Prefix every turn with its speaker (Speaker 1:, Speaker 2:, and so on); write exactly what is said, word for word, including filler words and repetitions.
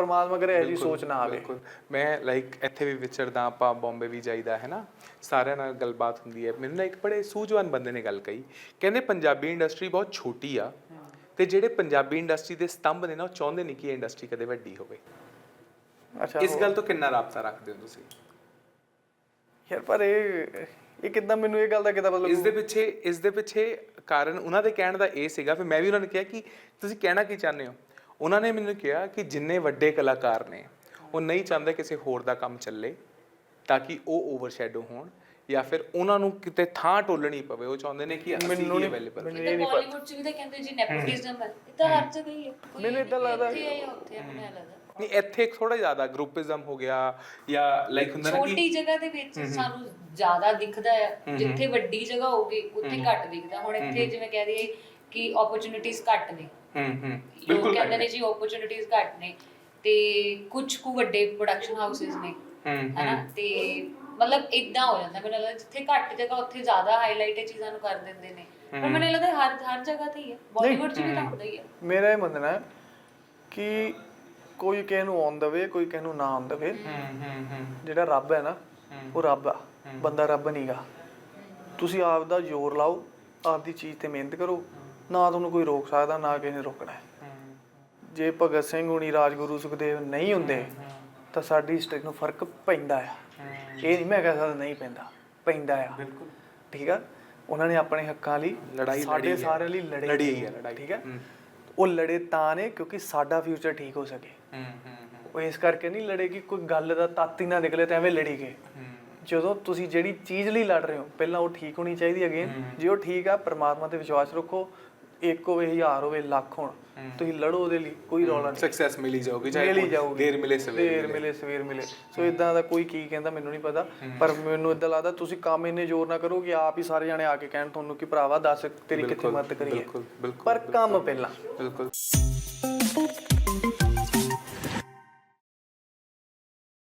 Speaker 1: ਪਰਮਾਤਮਾ ਕਰੇ ਇਹੋ ਜਿਹੀ ਸੋਚ ਨਾ ਆਵੇ।
Speaker 2: ਬਿਲਕੁਲ ਮੈਂ ਲਾਈਕ ਇੱਥੇ ਵੀ ਵਿਚਰਦਾ, ਆਪਾਂ ਬੰਬੇ ਵੀ ਜਾਈਦਾ ਹੈ ਨਾ, ਸਾਰਿਆਂ ਨਾਲ ਗੱਲਬਾਤ ਹੁੰਦੀ ਹੈ। ਮੈਨੂੰ ਨਾ ਇੱਕ ਬੜੇ ਸੂਝਵਾਨ ਬੰਦੇ ਨੇ ਗੱਲ ਕਹੀ, ਕਹਿੰਦੇ ਪੰਜਾਬੀ ਇੰਡਸਟਰੀ ਬਹੁਤ ਛੋਟੀ ਆ ਤੇ ਜਿਹੜੇ ਪੰਜਾਬੀ ਇੰਡਸਟਰੀ ਦੇ ਸਤੰਭ ਨੇ ਨਾ, ਉਹ ਚਾਹੁੰਦੇ ਨਹੀਂ ਕਿ ਇਹ ਇੰਡਸਟਰੀ ਕਦੇ ਵੱਡੀ ਹੋਵੇ।
Speaker 1: ਅੱਛਾ,
Speaker 2: ਇਸ ਗੱਲ ਤੋਂ ਕਿੰਨਾ ਰਾਬਤਾ ਰੱਖਦੇ ਹੋ ਤੁਸੀਂ?
Speaker 1: ਯਾਰ ਪਰ ਇਹ ਇਹ ਕਿੱਦਾਂ, ਮੈਨੂੰ ਇਹ ਗੱਲ ਦਾ ਕਿੱਦਾਂ ਮਤਲਬ?
Speaker 2: ਇਸ ਦੇ ਪਿੱਛੇ ਇਸ ਦੇ ਪਿੱਛੇ ਕਾਰਨ ਉਹਨਾਂ ਦੇ ਕਹਿਣ ਦਾ ਇਹ ਸੀਗਾ, ਫਿਰ ਮੈਂ ਵੀ ਉਹਨਾਂ ਨੂੰ ਕਿਹਾ ਕਿ ਤੁਸੀਂ ਕਹਿਣਾ ਕੀ ਚਾਹੁੰਦੇ ਹੋ। ਉਹਨਾਂ ਨੇ ਮੈਨੂੰ ਕਿਹਾ ਕਿ ਜਿੰਨੇ ਵੱਡੇ ਕਲਾਕਾਰ ਨੇ ਉਹ ਨਹੀਂ ਚਾਹੁੰਦੇ ਕਿਸੇ ਹੋਰ ਦਾ ਕੰਮ ਚੱਲੇ ਤਾਂ ਕਿ ਉਹ ਓਵਰਸ਼ੈਡੋ ਹੋਣ ਜਾਂ ਫਿਰ ਉਹਨਾਂ ਨੂੰ ਕਿਤੇ ਥਾਂ ਟੋਲਣੀ ਪਵੇ। ਉਹ ਚਾਹੁੰਦੇ ਨੇ ਕਿ ਅਸੀਂ ਹੀ ਅਵੇਲੇਬਲ।
Speaker 3: ਮੈਨੂੰ ਇਹ ਨਹੀਂ ਪਤਾ, ਬਾਲੀਵੁੱਡ ਚ ਵੀ ਤਾਂ ਕਹਿੰਦੇ ਜੀ ਨੈਪੋਟਿਜ਼ਮ ਹੈ, ਇਹ ਤਾਂ ਹਰ ਜਗ੍ਹਾ ਹੀ ਹੈ।
Speaker 1: ਮੈਨੂੰ ਇਦਾਂ ਲੱਗਦਾ
Speaker 3: ਇੱਥੇ ਆਇਆ ਉੱਥੇ ਆਪਣੇ ਲੱਗਦਾ
Speaker 2: ਨਹੀਂ, ਇੱਥੇ ਥੋੜਾ ਜ਼ਿਆਦਾ ਗਰੁੱਪਿਜ਼ਮ ਹੋ ਗਿਆ ਜਾਂ ਲਾਈਕ ਹੁੰਦਾ ਨਾ ਕਿ
Speaker 3: ਛੋਟੀ ਜਗ੍ਹਾ ਦੇ ਵਿੱਚ ਸਾਨੂੰ ਜ਼ਿਆਦਾ ਦਿਖਦਾ ਹੈ, ਜਿੱਥੇ ਵੱਡੀ ਜਗ੍ਹਾ ਹੋਊਗੀ ਉੱਥੇ ਘੱਟ ਦਿਖਦਾ। ਹੁਣ ਇੱਥੇ ਜਿਵੇਂ ਕਹਿ ਦਈਏ ਕਿ ਓਪਰਚੁਨਿਟੀਜ਼ ਘੱਟ ਨੇ,
Speaker 2: ਹੂੰ ਹੂੰ
Speaker 3: ਬਿਲਕੁਲ ਕਹਿੰਦੇ ਨੇ ਜੀ ਓਪਰਚੁਨਿਟੀਜ਼ ਘੱਟ ਨੇ, ਤੇ ਕੁਝ ਕੁ ਵੱਡੇ ਪ੍ਰੋਡਕਸ਼ਨ ਹਾਊਸਿਸ ਨੇ ਹਨਾ, ਤੇ ਮਤਲਬ ਇਦਾਂ ਹੋ ਜਾਂਦਾ। ਮੈਨੂੰ ਲੱਗਦਾ ਜਿੱਥੇ ਘੱਟ ਜਗ੍ਹਾ ਉੱਥੇ ਜ਼ਿਆਦਾ ਹਾਈਲਾਈਟ ਇਹ ਚੀਜ਼ਾਂ ਨੂੰ ਕਰ ਦਿੰਦੇ ਨੇ, ਪਰ ਮੈਨੂੰ ਲੱਗਦਾ ਹਰ ਹਰ ਜਗ੍ਹਾ ਤੇ ਹੀ ਹੈ, ਬਾਲੀਵੁੱਡ 'ਚ ਵੀ ਤਾਂ ਹੁੰਦਾ ਹੀ ਹੈ।
Speaker 1: ਮੇਰਾ ਇਹ ਮੰਨਣਾ ਹੈ ਕਿ ਕੋਈ ਕਿਸੇ ਨੂੰ ਆਉਣ ਦੇਵੇ, ਕੋਈ ਕਿਸੇ ਨੂੰ ਨਾ ਆਉਣ ਦੇਵੇ, ਜਿਹੜਾ ਰੱਬ ਹੈ ਨਾ ਉਹ ਰੱਬ ਆ, ਬੰਦਾ ਰੱਬ ਨਹੀਂਗਾ। ਤੁਸੀਂ ਆਪ ਦਾ ਜ਼ੋਰ ਲਾਓ, ਆਪਦੀ ਚੀਜ਼ ਤੇ ਮਿਹਨਤ ਕਰੋ, ਨਾ ਤੁਹਾਨੂੰ ਕੋਈ ਰੋਕ ਸਕਦਾ, ਨਾ ਕਿਸੇ ਨੇ ਰੋਕਣਾ। ਜੇ ਭਗਤ ਸਿੰਘ ਹੁਣੀ, ਰਾਜਗੁਰੂ, ਸੁਖਦੇਵ ਨਹੀਂ ਹੁੰਦੇ ਤਾਂ ਸਾਡੀ ਹਿਸਟਰੀ ਨੂੰ ਫਰਕ ਪੈਂਦਾ ਆ। ਇਹ ਨਹੀਂ ਮੈਂ ਕਹਿ ਸਕਦਾ ਨਹੀਂ ਪੈਂਦਾ, ਪੈਂਦਾ ਆ। ਬਿਲਕੁਲ ਠੀਕ ਆ। ਉਹਨਾਂ ਨੇ ਆਪਣੇ ਹੱਕਾਂ ਲਈ ਲੜਾਈ, ਸਾਡੇ ਸਾਰਿਆਂ ਲਈ ਲੜੀ ਹੈ, ਠੀਕ ਹੈ। ਉਹ ਲੜੇ ਤਾਂ ਨੇ ਕਿਉਂਕਿ ਸਾਡਾ ਫਿਊਚਰ ਠੀਕ ਹੋ ਸਕੇ। ਉਹ ਇਸ ਕਰਕੇ ਨਹੀਂ ਲੜੇ ਕਿ ਕੋਈ ਗੱਲ ਦਾ ਤੱਤ ਹੀ ਨਾ ਨਿਕਲੇ ਤਾਂ ਐਵੇਂ ਲੜੀ ਗਏ। ਜਦੋਂ ਤੁਸੀਂ ਜਿਹੜੀ ਚੀਜ਼ ਲਈ ਲੜ ਰਹੇ ਹੋ ਪਹਿਲਾਂ ਉਹ ਠੀਕ ਹੋਣੀ ਚਾਹੀਦੀ ਹੈਗੀ। ਜੇ ਉਹ ਠੀਕ ਆ, ਪਰਮਾਤਮਾ ਤੇ ਵਿਸ਼ਵਾਸ ਰੱਖੋ, ਇੱਕ ਹੋਵੇ, ਹਜ਼ਾਰ ਹੋਵੇ, ਲੱਖ ਹੋਣ, ਤੁਸੀਂ ਲੜੋ ਉਹਦੇ ਲਈ, ਕੋਈ ਰੌਲਾ ਨਹੀਂ।
Speaker 2: ਸਕਸੈਸ ਮਿਲੀ ਜਾਊਗੀ,
Speaker 1: ਮਿਲੀ ਜਾਊਗੀ,
Speaker 2: ਦੇਰ ਮਿਲੇ ਸਵੇਰ
Speaker 1: ਦੇਰ ਮਿਲੇ ਸਵੇਰ ਮਿਲੇ। ਸੋ ਇਦਾਂ ਦਾ ਕੋਈ ਕੀ ਕਹਿੰਦਾ ਮੈਨੂੰ ਨਹੀਂ ਪਤਾ, ਪਰ ਮੈਨੂੰ ਇਦਾਂ ਲੱਗਦਾ ਤੁਸੀਂ ਕੰਮ ਇੰਨੇ ਜ਼ੋਰ ਨਾ ਕਰੋ ਕਿ ਆਪ ਹੀ ਸਾਰੇ ਜਾਣੇ ਆ ਕੇ ਕਹਿਣ ਤੁਹਾਨੂੰ ਕਿ ਭਰਾਵਾ ਦੱਸ ਤੇਰੀ ਕਿੱਥੇ ਮਦਦ ਕਰੀਏ, ਪਰ ਕੰਮ ਪਹਿਲਾਂ।
Speaker 2: ਬਿਲਕੁਲ।